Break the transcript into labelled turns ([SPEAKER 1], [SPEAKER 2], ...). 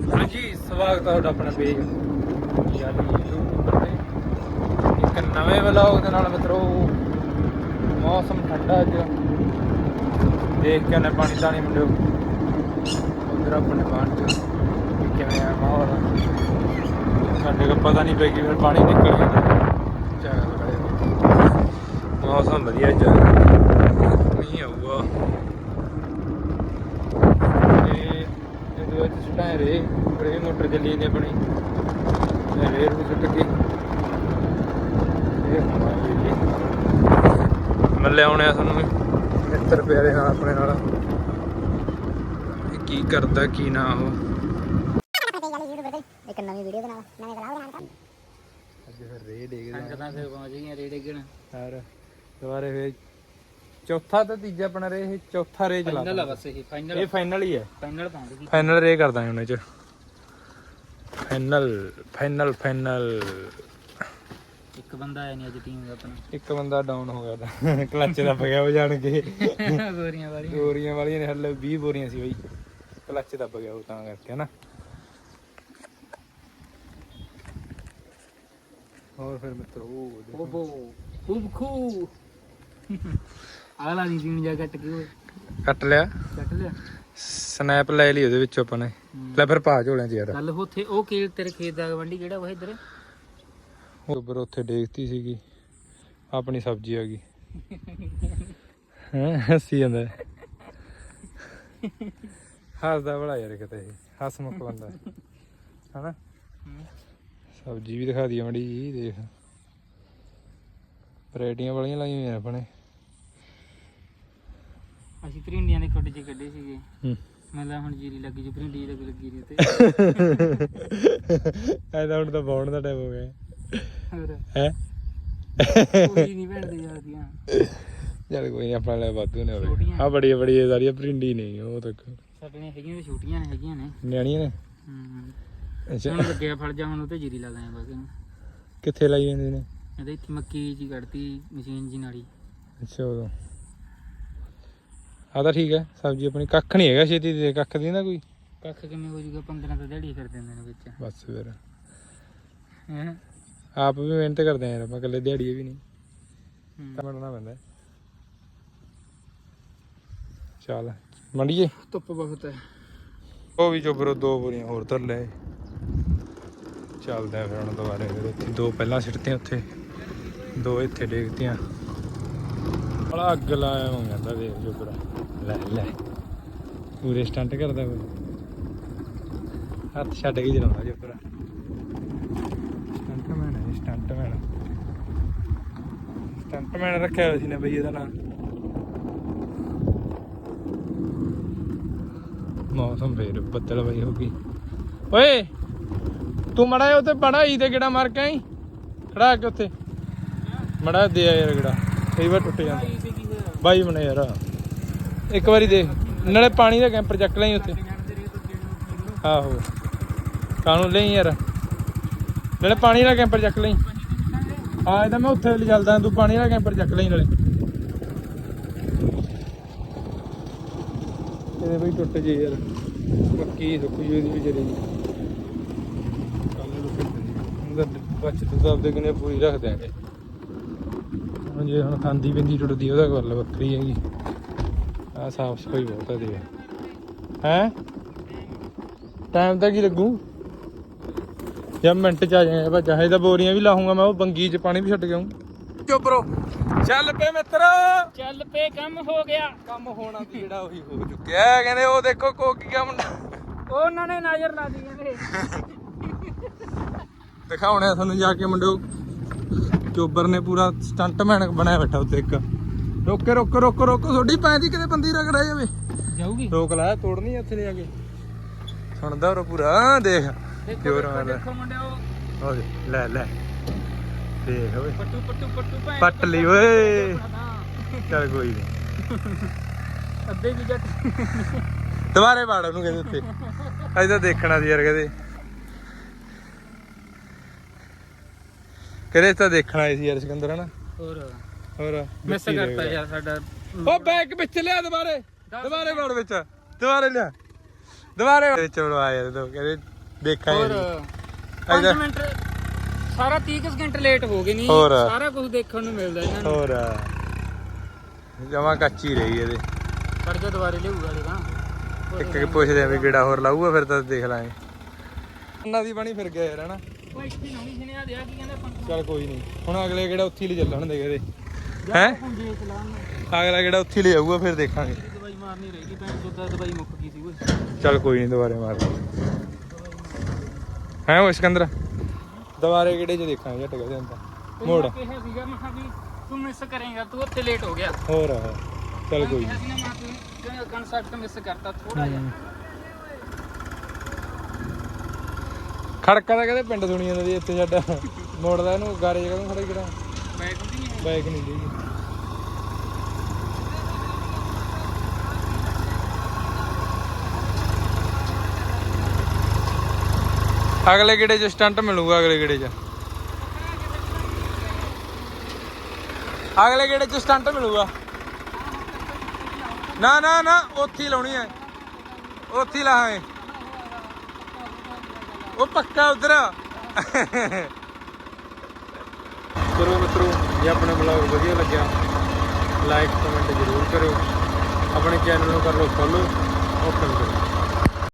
[SPEAKER 1] ਹਾਂਜੀ ਸਵਾਗਤ ਹੈ ਤੁਹਾਡਾ ਆਪਣਾ ਪੇਜ ਯਾਨੀ YouTube ਤੇ ਇੱਕ ਨਵੇਂ ਵਲੌਗ ਦੇ ਨਾਲ ਮਿੱਤਰੋ। ਮੌਸਮ ਠੰਡਾ ਅੱਜ ਦੇਖ ਕੇ ਨੇ ਪਾਣੀ ਤਾਣੀ ਮੁੰਡਿਓ ਉਧਰ ਆਪਣੇ ਬਾਣ ਚ ਕਿਵੇਂ ਆ ਮਾਹੌਲ ਸਾਡੇ ਕੋ ਪਤਾ ਨਹੀਂ ਪਈ ਫਿਰ ਪਾਣੀ ਨਿਕਲ ਜਾਂਦਾ ਮੌਸਮ ਵਧੀਆ ਅੱਜ ਮੀਂਹ ਆਊਗਾ ਸੁਟਾਏ ਰੇ ਬੜੇ ਮੋਟਰ ਚੱਲੀ ਜਾਂਦੀ ਆਪਣੀ ਰੇਰ ਨੂੰ ਸੁੱਟ ਕੇ ਮਿਲੇ ਆਉਣੇ ਆ ਤੁਹਾਨੂੰ ਮਿੱਤਰ ਪਿਆਰੇ ਨਾਲ ਆਪਣੇ ਨਾਲ ਕੀ ਕਰਦਾ ਕੀ ਨਾ ਉਹ
[SPEAKER 2] ਇੱਕ ਨਵੀਂ ਵੀਡੀਓ ਬਣਾ ਨਵੇਂ ਵਲੌਗ ਬਣਾ
[SPEAKER 1] ਅੱਜ ਫਿਰ ਰੇ ਡੇਗਦੇ
[SPEAKER 2] ਕੰਕਰਾਂ ਫਿਰ ਪਹੁੰਚ ਗਈਆਂ ਰੇ ਡੇਗਣ
[SPEAKER 1] ਯਾਰ ਦੁਬਾਰੇ ਫੇਰ ਚੌਥਾ ਤੇ ਤੀਜਾ ਆਪਣਾ ਰੇ ਇਹ ਚੌਥਾ ਰੇ ਚਲਾ
[SPEAKER 2] ਫਾਈਨਲ ਆ ਬਸ ਇਹ
[SPEAKER 1] ਇਹ ਫਾਈਨਲ ਹੀ ਹੈ
[SPEAKER 2] ਫਾਈਨਲ ਪਾਉਂਦੇ
[SPEAKER 1] ਫਾਈਨਲ ਰੇ ਕਰਦਾ ਹੁਣ ਇਹ ਚ ਫਾਈਨਲ
[SPEAKER 2] ਇੱਕ ਬੰਦਾ ਆਇਆ ਨਹੀਂ ਅੱਜ ਟੀਮ ਦਾ ਆਪਣਾ
[SPEAKER 1] ਇੱਕ ਬੰਦਾ ਡਾਊਨ ਹੋ ਗਿਆ ਤਾਂ ਕਲੱਚ ਦੱਬ ਗਿਆ ਉਹ ਜਾਣ ਕੇ
[SPEAKER 2] ਗੋਰੀਆਂ
[SPEAKER 1] ਵਾਲੀਆਂ ਨੇ ਹੱਲੇ 20 ਬੋਰੀਆਂ ਸੀ ਬਈ ਕਲੱਚ ਦੱਬ ਗਿਆ ਉਹ ਤਾਂ ਕਰਕੇ ਹਨਾ। ਹੋਰ ਫਿਰ ਮਿੱਤਰ
[SPEAKER 2] ਖੂਬ ਆਲਾ ਨਹੀਂ ਸੀਨ ਜਾ ਕੱਟ ਕੇ
[SPEAKER 1] ਕੱਟ ਲਿਆ
[SPEAKER 2] ਕੱਟ ਲਿਆ
[SPEAKER 1] ਸਨੈਪ ਲੈ ਲਈ ਉਹਦੇ ਵਿੱਚੋਂ ਆਪਾਂ ਨੇ ਲੈ ਫਿਰ ਪਾ ਝੋਲਿਆਂ ਚ ਯਾਰ
[SPEAKER 2] ਕੱਲ ਉੱਥੇ ਉਹ ਕੇਲ ਤੇਰੇ ਖੇਤ ਦਾ ਗਵੰਡੀ ਕਿਹੜਾ ਉਹ ਇੱਧਰ
[SPEAKER 1] ਉੱਪਰ ਉੱਥੇ ਦੇਖਤੀ ਸੀਗੀ ਆਪਣੀ ਸਬਜ਼ੀ ਆ ਗਈ ਹੈ ਹੱਸੀ ਜਾਂਦਾ ਹੱਸਦਾ ਬੜਾ ਯਾਰ ਕਿਤੇ ਇਹ ਹੱਸਮੁਖ ਬੰਦਾ ਹਨਾ। ਸਬਜ਼ੀ ਵੀ ਦਿਖਾ ਦਈਏ ਮੜੀ ਜੀ ਦੇਖ ਵੈਰਾਈਟੀਆਂ ਵਾਲੀਆਂ ਲਾਈਆਂ ਹੋਈਆਂ ਆਪਣੇ
[SPEAKER 2] ਅਸੀਂ ਭਰਿੰਡੀਆਂ ਦੇ ਖੁੱਡ 'ਚ ਕੱਢੇ ਸੀਗੇ ਮਤਲਬ ਹੁਣ ਜੀਰੀ ਲੱਗੀ ਜੋ ਭਰਿੰਡੀ ਲੱਗੀ ਰਹੀ ਤੇ
[SPEAKER 1] ਐਦਾ ਹੁਣ ਤਾਂ ਬਾਉਣ ਦਾ ਟਾਈਮ ਹੋ ਗਿਆ
[SPEAKER 2] ਹੋਰ
[SPEAKER 1] ਹੈ
[SPEAKER 2] ਕੋਈ ਨਹੀਂ ਭੈਣਦੇ ਜਾਂਦੀਆਂ
[SPEAKER 1] ਚੱਲ ਕੋਈ ਨਹੀਂ ਆਪਣਾ ਲੈ ਵਾਧੂ ਨੇ ਹੋਵੇ ਆ ਬੜੀ ਸਾਰੀਆਂ ਭਰਿੰਡੀ ਨਹੀਂ ਉਹ ਤੱਕ
[SPEAKER 2] ਸਾਡੇ ਨੇ ਹੈਗੀਆਂ ਛੋਟੀਆਂ ਨੇ ਹੈਗੀਆਂ ਨੇ
[SPEAKER 1] ਨਿਆਣੀਆਂ ਨੇ ਅੱਛਾ
[SPEAKER 2] ਹੁਣ ਲੱਗਿਆ ਫੜ ਜਾ ਹੁਣ ਉਹ ਤੇ ਜੀਰੀ ਲਾ ਦਾਂ ਬਾਕੀ
[SPEAKER 1] ਕਿੱਥੇ ਲਾਈ ਜਾਂਦੇ ਨੇ
[SPEAKER 2] ਇਹਦੇ ਇੱਥੇ ਮੱਕੀ ਜੀ ਕੱਢਤੀ ਮਸ਼ੀਨ ਜੀ ਨਾਲੀ
[SPEAKER 1] ਅੱਛਾ ਉਦੋਂ ਆ ਤਾਂ ਠੀਕ ਹੈ ਸਬਜ਼ੀ ਆਪਣੀ ਕੱਖ ਨਹੀਂ ਹੈਗਾ ਛੇਤੀ ਦੇ ਕੱਖ ਦੀ ਨਾ ਕੋਈ
[SPEAKER 2] ਕੱਖ ਕਿਵੇਂ ਹੋ ਜੂਗਾ 15 ਤਾਂ ਦਿਹਾੜੀ ਕਰ ਦਿੰਦੇ ਨੇ ਵਿੱਚ
[SPEAKER 1] ਬਸ ਫਿਰ
[SPEAKER 2] ਹੈ
[SPEAKER 1] ਆਪ ਵੀ ਮਿਹਨਤ ਕਰਦੇ ਆ ਯਾਰ ਆਪਾਂ ਇਕੱਲੇ ਦਿਹਾੜੀ ਵੀ ਨਹੀਂ ਮੰਨਣਾ ਪੈਂਦਾ ਚੱਲ ਮੰਡੀਏ
[SPEAKER 2] ਧੁੱਪ ਬਹੁਤ ਹੈ
[SPEAKER 1] ਉਹ ਵੀ ਚੋਬਰੋ 2 ਬੋਰੀਆਂ ਹੋਰ ਧਰ ਲੈ ਚੱਲਦੇ ਆ ਫਿਰ ਹੁਣ ਦੁਬਾਰੇ ਫਿਰ ਉੱਥੇ 2 ਪਹਿਲਾਂ ਸਿੱਟਤੀਆਂ ਉੱਥੇ 2 ਇੱਥੇ ਡੇਗਤੀਆਂ ਬੜਾ ਅੱਗ ਲਾਇਆ ਹੋ ਜਾਂਦਾ ਦੇਖ ਚੋਬਰਾ ਲੈ ਪੂਰੇ ਸਟੰਟ ਕਰਦਾ ਕੋਈ ਹੱਥ ਛੱਡ ਕੇ ਚਲਾਉਂਦਾ ਚੋਬਰਾ ਸਟੰਟਮੈਨ ਰੱਖਿਆ ਹੋਇਆ ਸੀ ਨੇ ਬਈ ਇਹਦਾ ਨਾਂ ਮੌਸਮ ਫੇਰ ਬੱਦਲ ਬਈ ਹੋ ਗਈ ਓਏ ਤੂੰ ਮੜਾ ਉੱਥੇ ਬੜਾ ਹੀ ਤੇ ਗੇੜਾ ਮਾਰ ਕੇ ਆਈ ਖੜਾ ਕੇ ਉੱਥੇ ਮੜਾ ਦੇ ਆ ਯਾਰ ਗੇੜਾ ਕਈ ਵਾਰ ਟੁੱਟ ਜਾਂਦਾ ਬਾਈ ਬਣੇ ਯਾਰ ਇੱਕ ਵਾਰੀ ਦੇਖ ਨਾਲੇ ਪਾਣੀ ਦਾ ਕੈਂਪਰ ਚੱਕ ਲਈ ਉੱਥੇ ਆਹੋ ਕਾਹਨੂੰ ਲਈ ਯਾਰ ਨਾਲੇ ਪਾਣੀ ਦਾ ਕੈਂਪਰ ਚੱਕ ਲਈ ਹਾਂ ਇਹ ਤਾਂ ਮੈਂ ਉੱਥੇ ਚੱਲਦਾ ਤੂੰ ਪਾਣੀ ਦਾ ਕੈਂਪਰ ਚੱਕ ਲਈ ਨਾਲੇ ਇਹਦੇ ਬਈ ਟੁੱਟ ਜੇ ਯਾਰ ਮੱਕੀ ਸੁੱਕ ਜੂ ਇਹਦੀ ਵੀ ਜਰੀ ਬਚਤ ਤਾਂ ਆਪਦੇ ਕਿਨੇ ਪੂਰੀ ਰੱਖ ਦਿਆਂਗੇ ਹੁਣ ਜੇ ਹੁਣ ਖਾਂਦੀ ਪਿੰਦੀ ਟੁੱਟਦੀ ਉਹਦਾ ਗੱਲ ਵੱਖਰੀ ਹੈਗੀ ਆਹ ਸਾਫ ਸਫਾਈ ਬਹੁਤ ਹੈ ਦੇ ਹੈਂ ਟਾਈਮ ਤਾਂ ਕੀ ਲੱਗੂ ਜਾਂ ਮਿੰਟ ਚ ਆ ਜਾਏ ਬਾ ਚਾਹੇ ਤਾਂ ਬੋਰੀਆਂ ਵੀ ਲਾਹੂੰਗਾ ਮੈਂ ਉਹ ਬੰਗੀ ਚ ਪਾਣੀ ਵੀ ਛੱਡ ਕੇ ਆਊਂ ਚੁੱਪਰੋ ਚੱਲ ਪਏ ਮਿੱਤਰ
[SPEAKER 2] ਚੱਲ ਪੇ ਕੰਮ ਹੋ ਗਿਆ
[SPEAKER 1] ਕੰਮ ਹੋਣਾ ਸੀ ਜਿਹੜਾ ਉਹੀ ਹੋ ਚੁੱਕਿਆ ਕਹਿੰਦੇ ਉਹ ਦੇਖੋ ਕੋਕੀਆ ਮੁੰਡਾ
[SPEAKER 2] ਉਹਨਾਂ ਨੇ ਨਜ਼ਰ ਲਾ ਦੀ ਕਹਿੰਦੇ
[SPEAKER 1] ਦਿਖਾਉਣੇ ਤੁਹਾਨੂੰ ਜਾ ਕੇ ਮੁੰਡਿਓ ਚੋਬਰ ਨੇ ਪੂਰਾ ਸਟੰਟਮੈਨ ਬਣਾਇਆ ਬੈਠਾ ਉੱਤੇ ਇੱਕ ਰੋਕੋ ਤੁਹਾਡੀ ਪੈਂਦੀ ਕਿਤੇ ਬੰਦੀ ਰਗੜਾ ਜਾਵੇ
[SPEAKER 2] ਜਾਊਗੀ
[SPEAKER 1] ਰੋਕ ਲਾ ਤੋੜਨੀ ਇੱਥੇ ਲੈ ਜਾ ਕੇ ਸੁਣਦਾ ਉਹ ਪੂਰਾ ਦੇਖ ਜੋਰ ਮਾਰਦਾ
[SPEAKER 2] ਦੇਖੋ ਮੁੰਡਿਓ
[SPEAKER 1] ਹੋ ਲੈ ਦੇਖ ਓਏ
[SPEAKER 2] ਪੱਟੂ
[SPEAKER 1] ਪੱਟ ਲਈ ਓਏ ਚੱਲ ਕੋਈ ਨਹੀਂ
[SPEAKER 2] ਅੱਧੇ ਕੀ ਜੱਟ
[SPEAKER 1] ਦੁਬਾਰੇ ਵਾੜ ਉਹਨੂੰ ਕਹਿੰਦੇ ਉੱਤੇ ਅੱਜ ਤਾਂ ਦੇਖਣਾ ਸੀ ਯਾਰ ਕਹਿੰਦੇ ਤਾਂ ਦੇਖਣਾ ਸੀ ਯਾਰ ਸਿਕੰਦਰ ਹਨਾ ਹੋਰ
[SPEAKER 2] ਮਿਸ ਕਰਤਾ ਯਾਰ ਸਾਡਾ
[SPEAKER 1] ਉਹ ਬੈਗ ਵਿੱਚ ਲਿਆ ਦੁਬਾਰੇ ਵਾੜ ਵਿੱਚ ਦੁਬਾਰੇ ਲਿਆ ਦੁਬਾਰੇ ਵਿੱਚ ਵੜਵਾ ਯਾਰ ਤੂੰ ਕਹਿੰਦੇ ਦੇਖਾਂਗੇ
[SPEAKER 2] ਹੋਰ
[SPEAKER 1] ਜੀ।
[SPEAKER 2] 5 ਮਿੰਟ ਸਾਰਾ 30 ਸਕਿੰਟ ਲੇਟ ਹੋ ਗਏ ਨਹੀਂ
[SPEAKER 1] ਹੋਰ।
[SPEAKER 2] ਸਾਰਾ ਕੁਝ ਦੇਖਣ ਨੂੰ ਮਿਲਦਾ ਇਹਨਾਂ ਨੂੰ।
[SPEAKER 1] ਹੋਰ ਜਮਾ ਕੱਚੀ ਰਹੀ ਇਹਦੇ।
[SPEAKER 2] ਖੜ ਜਾ ਦੁਬਾਰੇ ਲਿਆਊਗਾ ਇਹਦਾ
[SPEAKER 1] ਇੱਕ ਪੁੱਛਦੇ ਆ ਵੀ ਕਿਹੜਾ ਹੋਰ ਲਾਊਗਾ ਫਿਰ ਤਾਂ ਦੇਖ ਲਾਂਗੇ। ਉਹਨਾਂ ਦੀ ਬਣੀ ਫਿਰ ਗਿਆ ਯਾਰ ਹਨਾ।
[SPEAKER 2] ਉਹ ਇੱਥੇ ਨਵੀਂ ਸੁਣਿਆ ਦਿਆ ਕੀ ਕਹਿੰਦਾ
[SPEAKER 1] ਚੱਲ ਕੋਈ ਨਹੀਂ ਹੁਣ ਅਗਲੇ ਕਿਹੜਾ ਉੱਥੇ ਹੀ ਲੈ ਚੱਲਣ ਦੇ ਇਹਦੇ ਹੈ।
[SPEAKER 2] ਪੁੰਜੇ ਚਲਾਉਣ
[SPEAKER 1] ਅਗਲਾ ਕਿਹੜਾ ਉੱਥੇ ਹੀ ਲੈ ਜਾਊਗਾ ਫਿਰ ਦੇਖਾਂਗੇ।
[SPEAKER 2] ਦਵਾਈ ਮਾਰਨੀ ਰਹੇਗੀ ਭੈਣ ਚੋਦਾ ਦਵਾਈ ਮੁੱਕ ਗਈ ਸੀ ਓਏ।
[SPEAKER 1] ਚੱਲ ਕੋਈ ਨਹੀਂ ਦੁਬਾਰੇ ਮਾਰ ਹੈ ਉਹ ਸਿਕੰਦਰ ਦੁਬਾਰੇ ਕਿਹੜੇ ਚ ਦੇਖਾਂਗੇ ਝਟ ਗਿਆ ਜਾਂਦਾ ਮੋੜ।
[SPEAKER 2] ਮੈਂ ਕਿਹਾ ਸੀਗਾ ਮੈਂ ਕਿਹਾ ਵੀ ਤੂੰ ਮਿਸ ਕਰੇਗਾ ਤੂੰ ਉੱਥੇ ਲੇਟ ਹੋ ਗਿਆ।
[SPEAKER 1] ਹੋਰ ਚੱਲ ਕੋਈ
[SPEAKER 2] ਕਿਹਾ
[SPEAKER 1] ਨਹੀਂ।
[SPEAKER 2] ਸੀ ਨਾ ਮੈਂ ਤੂੰ ਕਨਸੈਪਟ ਮਿਸ ਕਰਤਾ ਥੋੜਾ ਜਿਹਾ।
[SPEAKER 1] ਖੜਕਾ ਤਾਂ ਕਹਿੰਦੇ ਪਿੰਡ ਸੁਣੀ ਜਾਂਦਾ ਜੀ ਇੱਥੇ ਸਾਡਾ ਮੋੜਦਾ ਇਹਨੂੰ ਗਾਰੇ ਜਗ੍ਹਾ ਨੂੰ ਖੜਾ ਕਿਹੜਾ
[SPEAKER 2] ਬੈਕ ਹੁੰਦੀ ਨਹੀਂ
[SPEAKER 1] ਬਾਈਕ ਨਹੀਂ ਦੀ। ਅਗਲੇ ਗੇੜੇ 'ਚ ਸਟੰਟ ਮਿਲੂਗਾ ਅਗਲੇ ਗੇੜੇ 'ਚ। ਅਗਲੇ ਗੇੜੇ 'ਚ ਸਟੰਟ ਮਿਲੂਗਾ। ਨਾ ਨਾ ਨਾ ਉੱਥੇ ਹੀ ਲਾਉਣੀ ਹੈ ਉੱਥੇ ਹੀ ਲਾਹਾਂਗੇ ਉਹ ਪੱਕਾ ਉਧਰ। ਚਲੋ ਮਿੱਤਰੋ ਜੇ ਆਪਣੇ ਬਲੌਗ ਵਧੀਆ ਲੱਗਿਆ ਲਾਈਕ ਕਮੈਂਟ ਜ਼ਰੂਰ ਕਰਿਓ। ਆਪਣੇ ਚੈਨਲ ਨੂੰ ਕਰ ਲਓ ਫੋਲੋ ਓਪਨ ਕਰੋ।